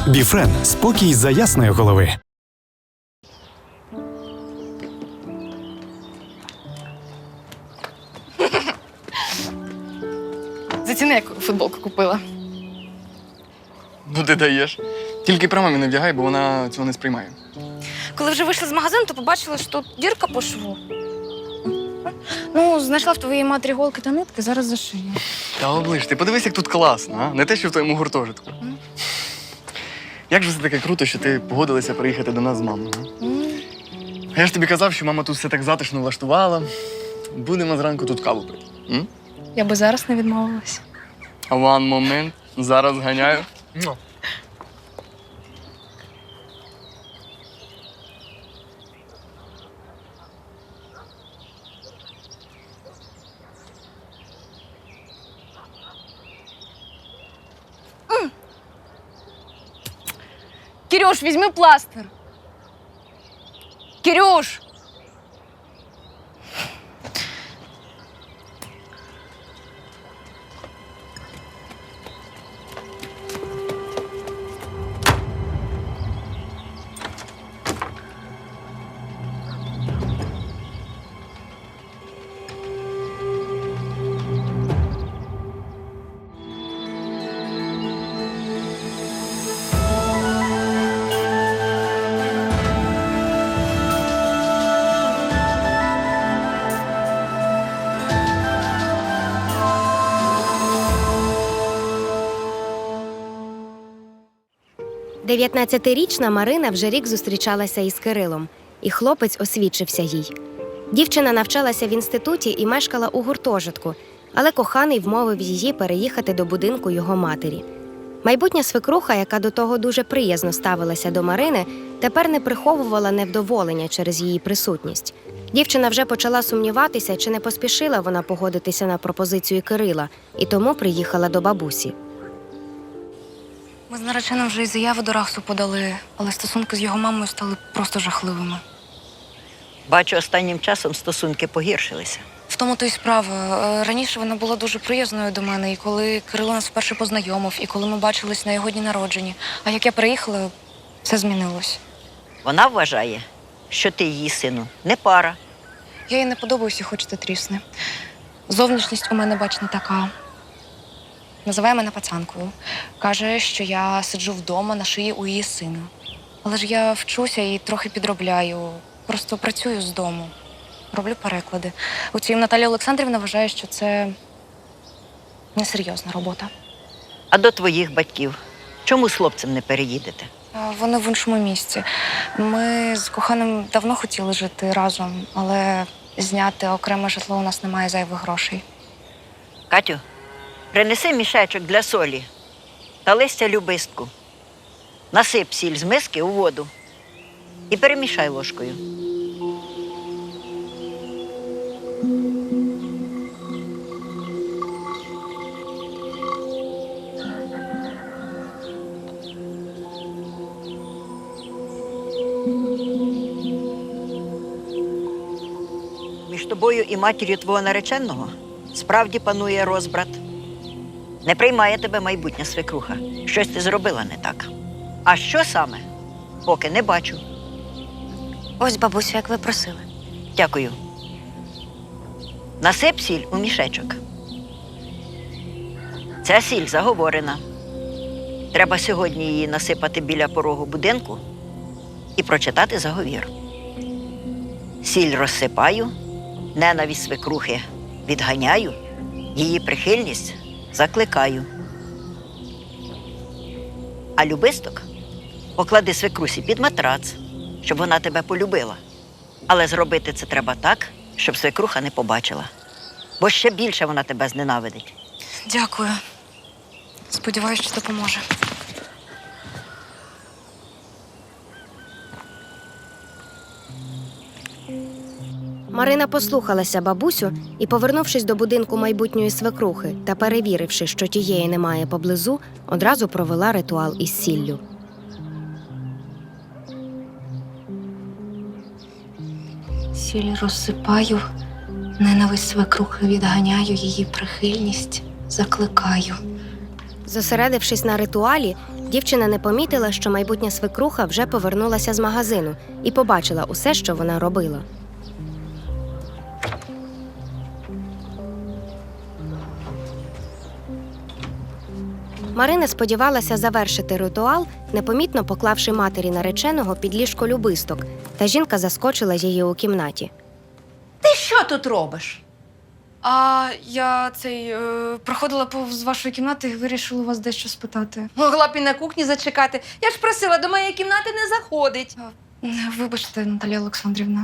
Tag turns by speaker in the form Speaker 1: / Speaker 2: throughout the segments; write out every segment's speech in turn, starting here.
Speaker 1: Біфрен – спокій за ясної голови.
Speaker 2: Заціни, яку футболку купила.
Speaker 3: Ну ти даєш. Тільки при мамі не вдягай, бо вона цього не сприймає.
Speaker 2: Коли вже вийшла з магазину, то побачила, що тут дірка по шву. Ну, знайшла в твоїй матері голки та нитки, зараз зашию.
Speaker 3: Та оближ, ти подивись, як тут класно, а? Не те, що в твоєму гуртожитку. Як же це таке круто, що ти погодилася приїхати до нас з мамою, а? А я ж тобі казав, що мама тут все так затишно влаштувала. Будемо зранку тут каву пити.
Speaker 2: Я би зараз не відмовилась.
Speaker 3: One момент. Зараз ганяю.
Speaker 2: Кирюш, візьми пластир. Кирюш!
Speaker 4: Дев'ятнадцятирічна Марина вже рік зустрічалася із Кирилом, і хлопець освідчився їй. Дівчина навчалася в інституті і мешкала у гуртожитку, але коханий вмовив її переїхати до будинку його матері. Майбутня свекруха, яка до того дуже приязно ставилася до Марини, тепер не приховувала невдоволення через її присутність. Дівчина вже почала сумніватися, чи не поспішила вона погодитися на пропозицію Кирила, і тому приїхала до бабусі.
Speaker 2: Ми з нареченим вже і заяву до РАХСу подали, але стосунки з його мамою стали просто жахливими.
Speaker 5: Бачу, останнім часом стосунки погіршилися.
Speaker 2: В тому то й справа. Раніше вона була дуже приязною до мене, і коли Кирило нас вперше познайомив, і коли ми бачились на його дні народження. А як я приїхала, все змінилось.
Speaker 5: Вона вважає, що ти її сину не пара.
Speaker 2: Я їй не подобаюся, хоч ти трісне. Зовнішність у мене, бач, не така. Називає мене пацанкою. Каже, що я сиджу вдома на шиї у її сина. Але ж я вчуся і трохи підробляю. Просто працюю з дому. Роблю переклади. Утім, Наталія Олександрівна вважає, що це несерйозна робота.
Speaker 5: А до твоїх батьків чому з хлопцем не переїдете?
Speaker 2: Вони в іншому місці. Ми з коханим давно хотіли жити разом, але зняти окреме житло у нас немає зайвих грошей.
Speaker 5: Катю, принеси мішечок для солі та листя любистку. Насип сіль з миски у воду і перемішай ложкою. Між тобою і матір'ю твого нареченого справді панує розбрат. Не приймає тебе майбутня свекруха. Щось ти зробила не так. А що саме? Поки не бачу.
Speaker 4: Ось, бабусю, як ви просили.
Speaker 5: Дякую. Насип сіль у мішечок. Ця сіль заговорена. Треба сьогодні її насипати біля порогу будинку і прочитати заговір. Сіль розсипаю, ненависть свекрухи відганяю, її прихильність закликаю. А любисток поклади свекрусі під матрац, щоб вона тебе полюбила. Але зробити це треба так, щоб свекруха не побачила. Бо ще більше вона тебе зненавидить.
Speaker 2: Дякую. Сподіваюсь, що допоможе.
Speaker 4: Марина послухалася бабусю і, повернувшись до будинку майбутньої свекрухи та перевіривши, що тієї немає поблизу, одразу провела ритуал із сіллю.
Speaker 2: Сіль розсипаю, ненависть свекрухи відганяю, її прихильність закликаю.
Speaker 4: Зосередившись на ритуалі, дівчина не помітила, що майбутня свекруха вже повернулася з магазину і побачила усе, що вона робила. Марина сподівалася завершити ритуал, непомітно поклавши матері нареченого під ліжко любисток, та жінка заскочила її у кімнаті.
Speaker 6: Ти що тут робиш?
Speaker 2: А я проходила повз вашої кімнати і вирішила у вас дещо спитати.
Speaker 6: Могла б і на кухні зачекати. Я ж просила, до моєї кімнати не заходить.
Speaker 2: Вибачте, Наталія Олександрівна.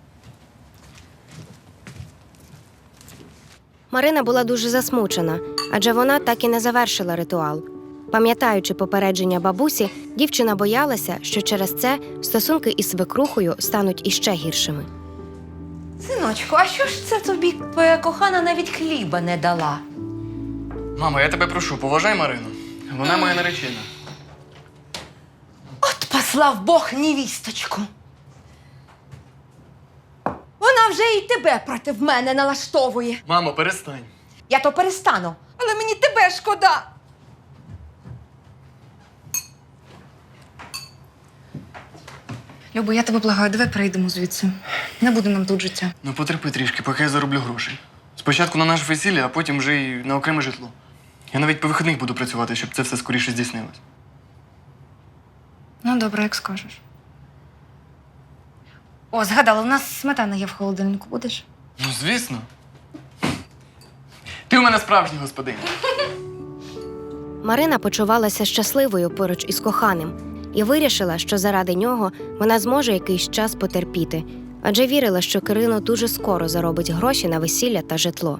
Speaker 4: Марина була дуже засмучена, адже вона так і не завершила ритуал. Пам'ятаючи попередження бабусі, дівчина боялася, що через це стосунки із свекрухою стануть іще гіршими.
Speaker 6: Синочку, а що ж це тобі твоя кохана навіть хліба не дала?
Speaker 3: Мамо, я тебе прошу, поважай Марину. Вона моя наречена.
Speaker 6: От послав Бог невісточку. Вона вже і тебе проти мене налаштовує.
Speaker 3: Мамо, перестань.
Speaker 6: Я то перестану, але мені тебе шкода.
Speaker 2: Любо, я тебе благаю, давай перейдемо звідси. Не буде нам тут життя.
Speaker 3: Ну потерпи трішки, поки я зароблю грошей. Спочатку на наше весілля, а потім вже й на окреме житло. Я навіть по вихідних буду працювати, щоб це все скоріше здійснилось.
Speaker 2: Ну, добре, як скажеш. О, згадала, у нас сметана є в холодильнику. Будеш?
Speaker 3: Ну, звісно. Ти у мене справжній господиня.
Speaker 4: Марина почувалася щасливою поруч із коханим і вирішила, що заради нього вона зможе якийсь час потерпіти, адже вірила, що Кирило дуже скоро заробить гроші на весілля та житло.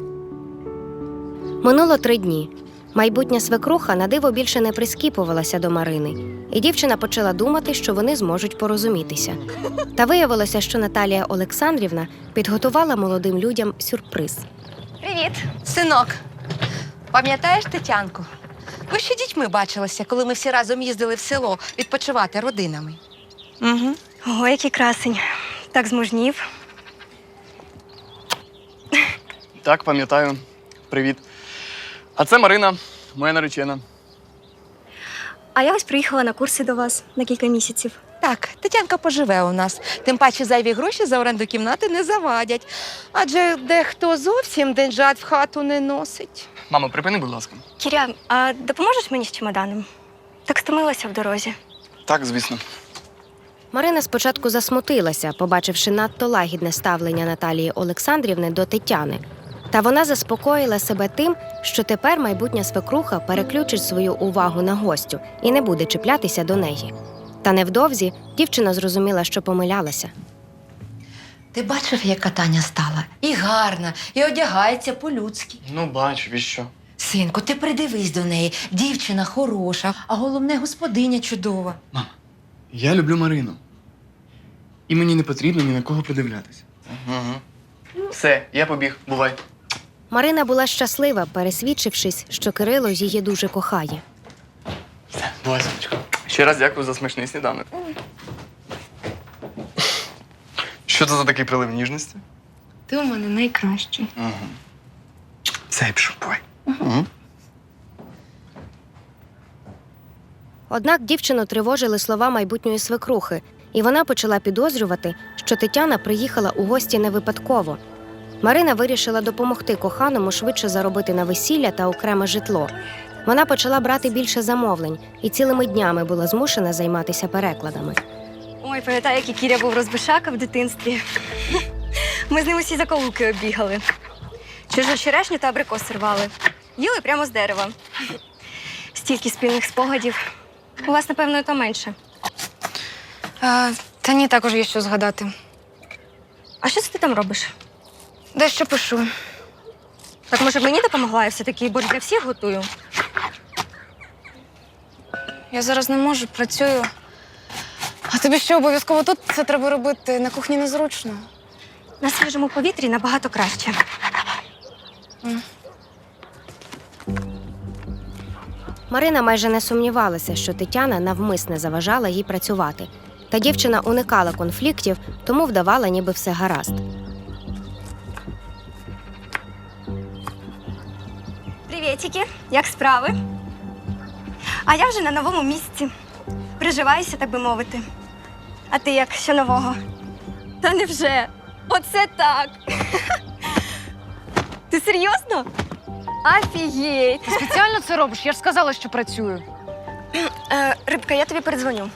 Speaker 4: Минуло 3 дні. Майбутня свекруха на диво більше не прискіпувалася до Марини, і дівчина почала думати, що вони зможуть порозумітися. Та виявилося, що Наталія Олександрівна підготувала молодим людям сюрприз.
Speaker 6: Привіт. Синок, пам'ятаєш Тетянку? Ви ще дітьми бачилися, коли ми всі разом їздили в село відпочивати родинами.
Speaker 7: Угу. Ого, який красень. Так змужнів.
Speaker 3: Так, пам'ятаю. Привіт. А це Марина, моя наречена.
Speaker 7: А я ось приїхала на курси до вас на кілька місяців.
Speaker 6: Так, Тетянка поживе у нас. Тим паче зайві гроші за оренду кімнати не завадять. Адже дехто зовсім деньжат в хату не носить.
Speaker 3: Мамо, припини, будь ласка.
Speaker 7: Кіря, а допоможеш мені з чемоданом? Так стомилася в дорозі.
Speaker 3: Так, звісно.
Speaker 4: Марина спочатку засмутилася, побачивши надто лагідне ставлення Наталії Олександрівни до Тетяни. Та вона заспокоїла себе тим, що тепер майбутня свекруха переключить свою увагу на гостю і не буде чіплятися до неї. Та невдовзі дівчина зрозуміла, що помилялася.
Speaker 6: Ти бачив, яка Таня стала? І гарна, і одягається по-людськи.
Speaker 3: Ну, бачу, і що?
Speaker 6: Синку, ти придивись до неї. Дівчина хороша, а головне, господиня чудова.
Speaker 3: Мама, я люблю Марину. І мені не потрібно ні на кого придивлятися. Все, я побіг. Бувай.
Speaker 4: Марина була щаслива, пересвідчившись, що Кирило її дуже кохає.
Speaker 3: Все, бувай, сонечко. Ще раз дякую за смачний сніданок. Що це за такий прилив ніжності?
Speaker 2: Ти у мене найкращий.
Speaker 3: Угу. Все, я пішов, бувай. Угу.
Speaker 4: Однак дівчину тривожили слова майбутньої свекрухи, і вона почала підозрювати, що Тетяна приїхала у гості не випадково. Марина вирішила допомогти коханому швидше заробити на весілля та окреме житло. Вона почала брати більше замовлень і цілими днями була змушена займатися перекладами.
Speaker 7: Ой, пам'ятаю, який Кіря був розбишака в дитинстві. Ми з ним усі закоулки оббігали. Чужу черешню та абрикос рвали. Їли прямо з дерева. Стільки спільних спогадів. У вас, напевно, і то менше.
Speaker 2: Та ні, також є що згадати.
Speaker 7: А що це ти там робиш?
Speaker 2: Дещо пишу.
Speaker 7: Так, може, б мені допомогла? Я все-таки борщ для всіх готую.
Speaker 2: Я зараз не можу, працюю. А тобі що, обов'язково тут це треба робити? На кухні незручно.
Speaker 7: На свіжому повітрі набагато краще.
Speaker 4: Марина майже не сумнівалася, що Тетяна навмисне заважала їй працювати. Та дівчина уникала конфліктів, тому вдавала, ніби все гаразд.
Speaker 7: Привітики, як справи? А я вже на новому місці. Приживаюся, так би мовити. А ти як, що нового? Та невже? Оце так. Ти серйозно? Офігеть.
Speaker 2: Ти спеціально це робиш? Я ж сказала, що працюю.
Speaker 7: Рибка, я тобі передзвоню.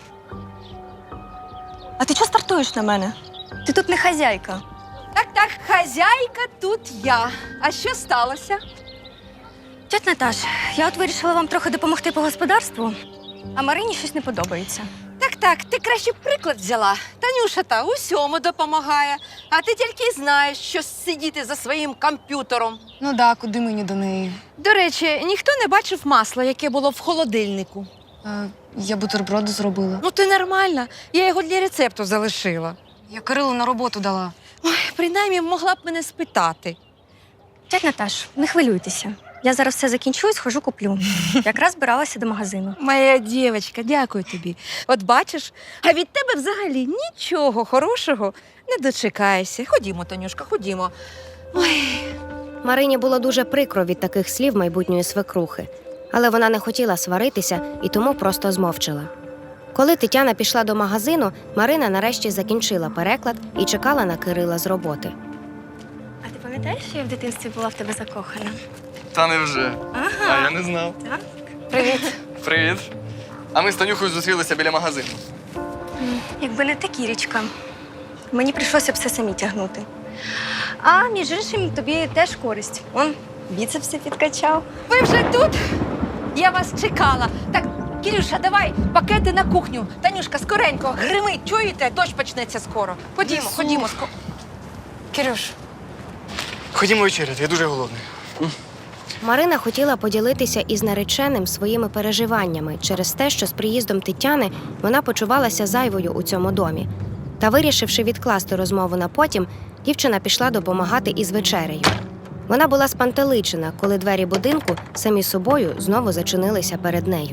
Speaker 7: А ти чого стартуєш на мене? Ти тут не хазяйка.
Speaker 6: Так, хазяйка тут я. А що сталося?
Speaker 7: Тьоть Наташ, я от вирішила вам трохи допомогти по господарству, а Марині щось не подобається.
Speaker 6: Так, ти краще приклад взяла. Танюша та усьому допомагає. А ти тільки й знаєш, що сидіти за своїм комп'ютером.
Speaker 2: Ну да, куди мені до неї?
Speaker 6: До речі, ніхто не бачив масла, яке було в холодильнику.
Speaker 2: Я бутерброди зробила.
Speaker 6: Ну ти нормальна. Я його для рецепту залишила.
Speaker 2: Я Кирилу на роботу дала.
Speaker 6: Ой, принаймні могла б мене спитати.
Speaker 7: Тьоть Наташ, не хвилюйтеся. Я зараз все закінчу і схожу куплю. Якраз збиралася до магазину.
Speaker 6: Моя дівчинка, дякую тобі. От бачиш, а від тебе взагалі нічого хорошого не дочекаєшся. Ходімо, Танюшка, ходімо. Ой.
Speaker 4: Марині було дуже прикро від таких слів майбутньої свекрухи, але вона не хотіла сваритися і тому просто змовчала. Коли Тетяна пішла до магазину, Марина нарешті закінчила переклад і чекала на Кирила з роботи.
Speaker 7: А ти пам'ятаєш, що я в дитинстві була в тебе закохана?
Speaker 3: Та невже?
Speaker 7: Ага.
Speaker 3: А я не знав.
Speaker 7: Так?
Speaker 2: Привіт.
Speaker 3: Привіт. А ми з Танюхою зустрілися біля магазину.
Speaker 7: Якби не та Кірічка, мені прийшлося б все самі тягнути. А між іншим, тобі теж користь. Он біцепси підкачав.
Speaker 6: Ви вже тут? Я вас чекала. Так, Кирюша, давай пакети на кухню. Танюшка, скоренько, гримить, чуєте? Дощ почнеться скоро. Ходімо,
Speaker 2: Несу.
Speaker 6: ходімо.
Speaker 2: Кирюш,
Speaker 3: Ходімо вечеряти, я дуже голодний.
Speaker 4: Марина хотіла поділитися із нареченим своїми переживаннями через те, що з приїздом Тетяни вона почувалася зайвою у цьому домі. Та, вирішивши відкласти розмову на потім, дівчина пішла допомагати із вечерею. Вона була спантеличена, коли двері будинку самі собою знову зачинилися перед нею.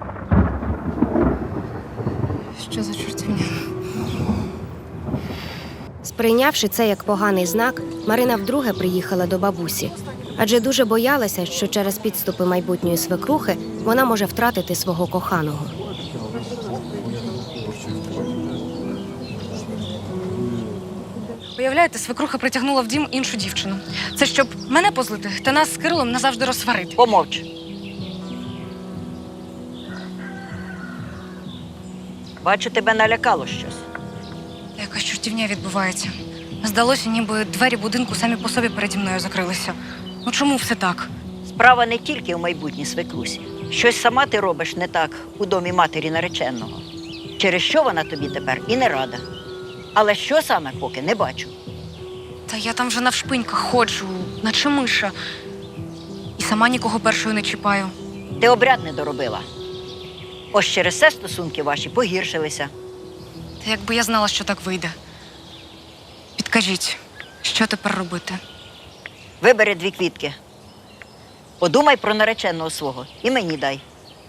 Speaker 2: що за чортівня?
Speaker 4: Сприйнявши це як поганий знак, Марина вдруге приїхала до бабусі, адже дуже боялася, що через підступи майбутньої свекрухи вона може втратити свого коханого.
Speaker 2: Уявляєте, свекруха притягнула в дім іншу дівчину. Це щоб мене позлити та нас з Кирилом назавжди розсварити.
Speaker 5: Помовч. Бачу, тебе налякало щось.
Speaker 2: Якась чортівня відбувається. Здалося, ніби двері будинку самі по собі переді мною закрилися. Ну чому все так?
Speaker 5: Справа не тільки в майбутній свекрусі. Щось сама ти робиш не так у домі матері нареченого. Через що вона тобі тепер і не рада. Але що саме поки не бачу.
Speaker 2: Та я там вже навшпиньках ходжу, наче миша. І сама нікого першою не чіпаю.
Speaker 5: Ти обряд не доробила. Ось через це стосунки ваші погіршилися.
Speaker 2: Та якби я знала, що так вийде. Підкажіть, що тепер робити?
Speaker 5: Вибери 2 квітки. Подумай про нареченого свого і мені дай.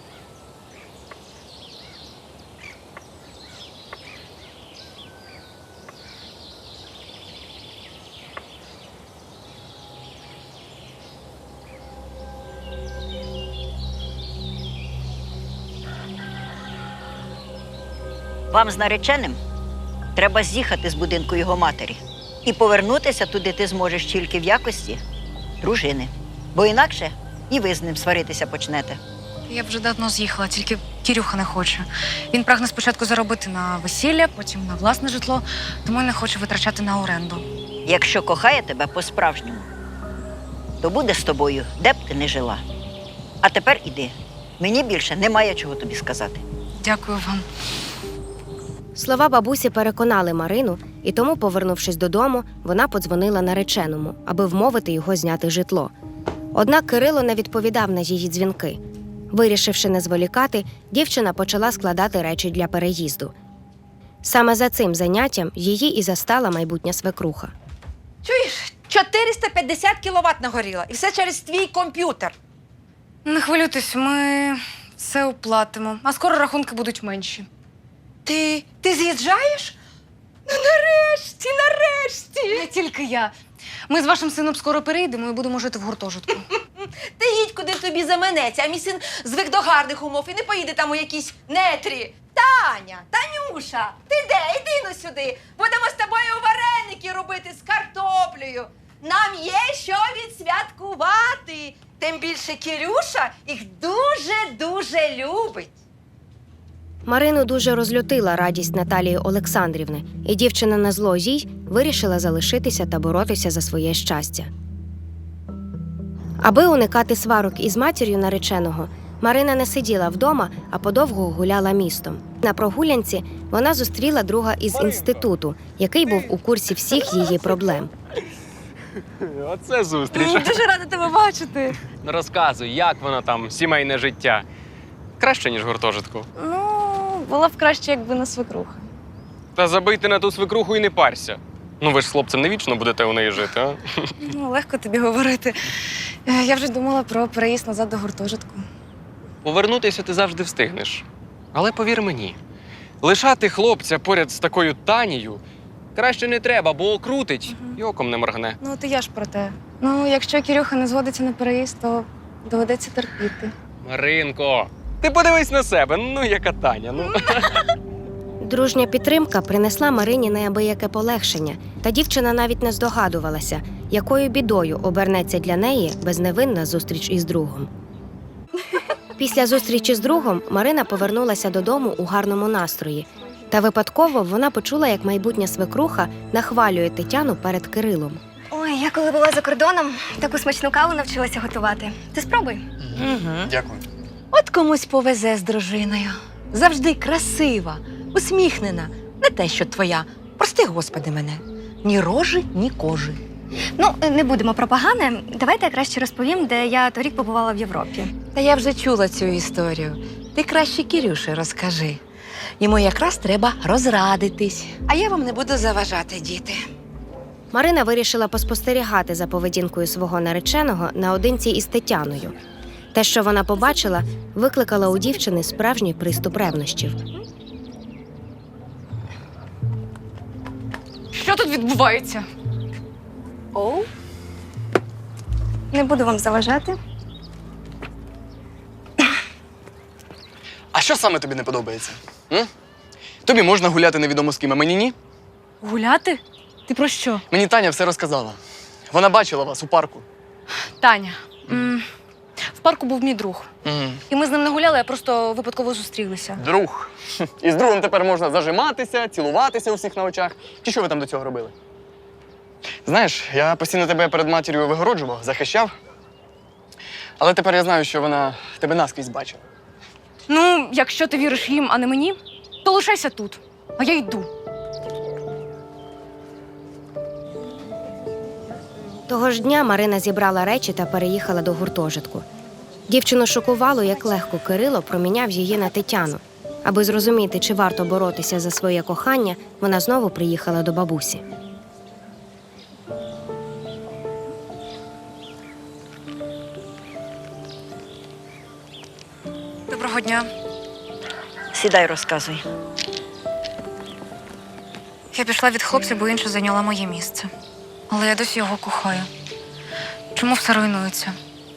Speaker 5: Вам з нареченим треба з'їхати з будинку його матері. І повернутися туди ти зможеш тільки в якості дружини. Бо інакше і ви з ним сваритися почнете.
Speaker 2: Я б вже давно з'їхала, тільки Кірюха не хоче. Він прагне спочатку заробити на весілля, потім на власне житло, тому й не хоче витрачати на оренду.
Speaker 5: Якщо кохає тебе по-справжньому, то буде з тобою, де б ти не жила. А тепер іди. Мені більше немає чого тобі сказати.
Speaker 2: Дякую вам.
Speaker 4: Слова бабусі переконали Марину, і тому, повернувшись додому, вона подзвонила нареченому, аби вмовити його зняти житло. Однак Кирило не відповідав на її дзвінки. Вирішивши не зволікати, дівчина почала складати речі для переїзду. Саме за цим заняттям її і застала майбутня свекруха.
Speaker 6: Чуєш, 450 кіловат нагоріло, і все через твій комп'ютер.
Speaker 2: Не хвилюйтесь, ми все оплатимо, а скоро рахунки будуть менші.
Speaker 6: Ти з'їжджаєш? Ну, нарешті!
Speaker 2: Не тільки я. Ми з вашим сином скоро переїдемо і будемо жити в гуртожитку.
Speaker 6: Ти їдь, куди тобі заманеться, а мій син звик до гарних умов і не поїде там у якісь нетрі. Таня, Танюша, ти де? Іди ну сюди. Будемо з тобою вареники робити з картоплею. Нам є що відсвяткувати. Тим більше Кирюша їх дуже-дуже любить.
Speaker 4: Марину дуже розлютила радість Наталії Олександрівни, і дівчина на зло їй вирішила залишитися та боротися за своє щастя. Аби уникати сварок із матір'ю нареченого, Марина не сиділа вдома, а подовго гуляла містом. На прогулянці вона зустріла друга із інституту, який був у курсі всіх її проблем.
Speaker 8: Оце зустріч.
Speaker 2: Дуже рада тебе бачити.
Speaker 8: Розказуй, як воно там, сімейне життя. Краще, ніж в гуртожитку.
Speaker 2: Ну, було б краще, якби не свекруха.
Speaker 8: Та забий ти на ту свекруху і не парся. Ну ви ж з хлопцем не вічно будете у неї жити, а?
Speaker 2: Ну, легко тобі говорити. Я вже думала про переїзд назад до гуртожитку.
Speaker 8: Повернутися ти завжди встигнеш. Але повір мені, лишати хлопця поряд з такою Танією краще не треба, бо окрутить і оком не моргне.
Speaker 2: Ну, от і я ж про те. Ну, якщо Кирюха не згодиться на переїзд, то доведеться терпіти.
Speaker 8: Маринко, ти подивись на себе, ну яка Таня, ну.
Speaker 4: Дружня підтримка принесла Марині неабияке полегшення, та дівчина навіть не здогадувалася, якою бідою обернеться для неї безневинна зустріч із другом. Після зустрічі з другом Марина повернулася додому у гарному настрої. Та випадково вона почула, як майбутня свекруха нахвалює Тетяну перед Кирилом.
Speaker 7: Ой, я коли була за кордоном, таку смачну каву навчилася готувати. Ти спробуй.
Speaker 3: Дякую.
Speaker 6: От комусь повезе з дружиною. Завжди красива, усміхнена. Не те, що твоя. Прости, Господи, мене. Ні рожі, ні кожи.
Speaker 7: Ну, не будемо про погане. Давайте я краще розповім, де я торік побувала в Європі.
Speaker 6: Та я вже чула цю історію. Ти краще Кирюші розкажи. Йому якраз треба розрадитись. А я вам не буду заважати, діти.
Speaker 4: Марина вирішила поспостерігати за поведінкою свого нареченого наодинці із Тетяною. Те, що вона побачила, викликало у дівчини справжній приступ ревнощів.
Speaker 2: Що тут відбувається?
Speaker 7: Оу. Не буду вам заважати.
Speaker 3: А що саме тобі не подобається? М? Тобі можна гуляти невідомо з ким, а мені ні?
Speaker 2: Гуляти? Ти про що?
Speaker 3: Мені Таня все розказала. Вона бачила вас у парку.
Speaker 2: Таня. В парку був мій друг.
Speaker 3: Мгм.
Speaker 2: І ми з ним не гуляли, а просто випадково зустрілися.
Speaker 3: Друг. І з другом тепер можна зажиматися, цілуватися у всіх на очах. Чи що ви там до цього робили? Знаєш, я постійно тебе перед матір'ю вигороджував, захищав. Але тепер я знаю, що вона тебе наскрізь бачила.
Speaker 2: Ну, якщо ти віриш їм, а не мені, то лишайся тут. А я йду.
Speaker 4: Того ж дня Марина зібрала речі та переїхала до гуртожитку. Дівчину шокувало, як легко Кирило проміняв її на Тетяну. Аби зрозуміти, чи варто боротися за своє кохання, вона знову приїхала до бабусі.
Speaker 2: Доброго дня.
Speaker 5: Сідай, розказуй.
Speaker 2: Я пішла від хлопця, бо інша зайняла моє місце. Але я досі його кохаю. Чому все руйнується?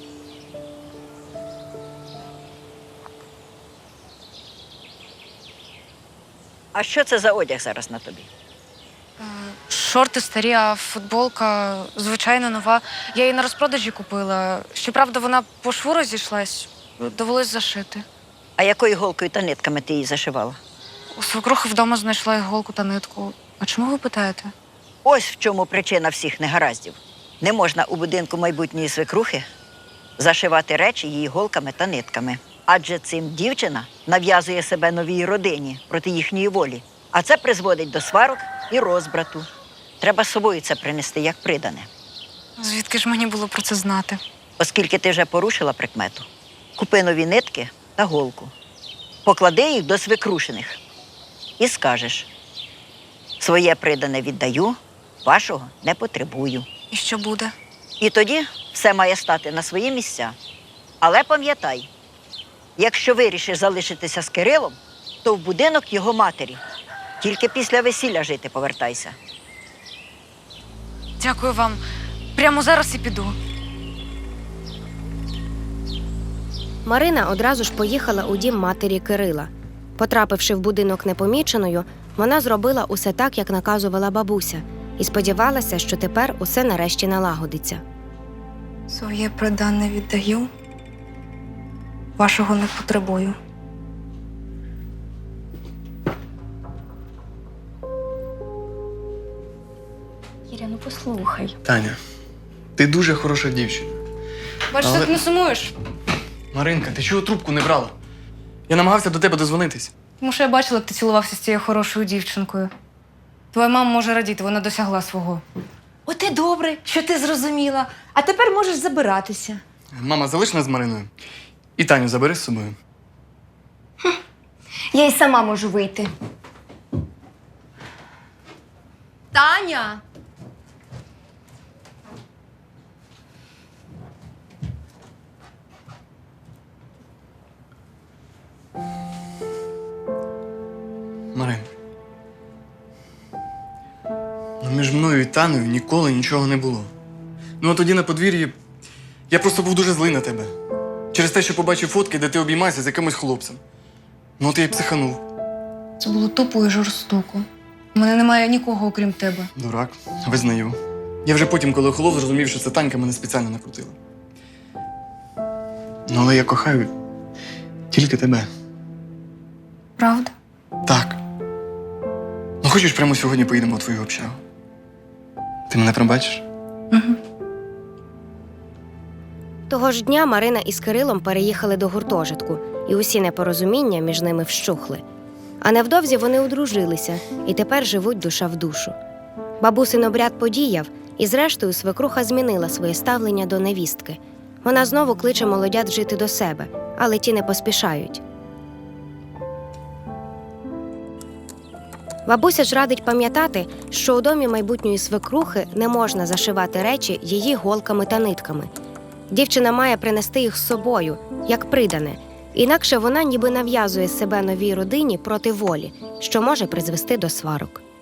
Speaker 5: А що це за одяг зараз на тобі?
Speaker 2: Шорти старі, а футболка звичайно нова. Я її на розпродажі купила. Щоправда, вона по шву розійшлась. Довелось зашити.
Speaker 5: А якою голкою та нитками ти її зашивала?
Speaker 2: У свекрухи вдома знайшла іголку та нитку. А чому ви питаєте?
Speaker 5: Ось в чому причина всіх негараздів. Не можна у будинку майбутньої свекрухи зашивати речі її голками та нитками. Адже цим дівчина нав'язує себе новій родині проти їхньої волі. А це призводить до сварок і розбрату. Треба з собою це принести як придане.
Speaker 2: Звідки ж мені було про це знати?
Speaker 5: Оскільки ти вже порушила прикмету, купи нові нитки та голку. Поклади їх до свекрушиних і скажеш: своє придане віддаю, вашого не потребую.
Speaker 2: І що буде?
Speaker 5: І тоді все має стати на свої місця. Але пам'ятай, якщо вирішиш залишитися з Кирилом, то в будинок його матері. Тільки після весілля жити повертайся.
Speaker 2: Дякую вам. Прямо зараз і піду.
Speaker 4: Марина одразу ж поїхала у дім матері Кирила. Потрапивши в будинок непоміченою, вона зробила усе так, як наказувала бабуся, і сподівалася, що тепер усе нарешті налагодиться.
Speaker 2: Своє придане віддаю, вашого не потребую.
Speaker 7: Кіря, ну послухай.
Speaker 3: Таня, ти дуже хороша дівчина.
Speaker 2: Бачиш,
Speaker 3: Але-
Speaker 2: ти не сумуєш?
Speaker 3: Маринка, ти чого трубку не брала? Я намагався до тебе дозвонитись.
Speaker 2: Тому що я бачила, як ти цілувався з цією хорошою дівчинкою. Твоя мама може радіти, вона досягла свого.
Speaker 6: От і добре, що ти зрозуміла. А тепер можеш забиратися.
Speaker 3: Мама, залиш нас з Мариною. І Таню забери з собою.
Speaker 7: Я й сама можу вийти.
Speaker 6: Таня!
Speaker 3: Марин. Ну, між мною і Танею ніколи нічого не було. Ну, а тоді на подвір'ї я просто був дуже злий на тебе. Через те, що побачив фотки, де ти обіймаєшся з якимось хлопцем. Ну, от я й психанув.
Speaker 2: Це було тупо і жорстоко. У мене немає нікого, окрім тебе.
Speaker 3: Дурак, визнаю. Я вже потім, коли охолов, зрозумів, що це Танька мене спеціально накрутила. Ну, але я кохаю тільки тебе.
Speaker 2: Правда?
Speaker 3: Так. Ну, хочеш, прямо сьогодні поїдемо у твою общагу? Ти мене пробачиш?
Speaker 2: Угу.
Speaker 4: Того ж дня Марина із Кирилом переїхали до гуртожитку, і усі непорозуміння між ними вщухли. А невдовзі вони одружилися і тепер живуть душа в душу. Бабусин обряд подіяв, і зрештою свекруха змінила своє ставлення до невістки. Вона знову кличе молодят жити до себе, але ті не поспішають. Бабуся ж радить пам'ятати, що у домі майбутньої свекрухи не можна зашивати речі її голками та нитками. Дівчина має принести їх з собою, як придане, інакше вона ніби нав'язує себе новій родині проти волі, що може призвести до сварок.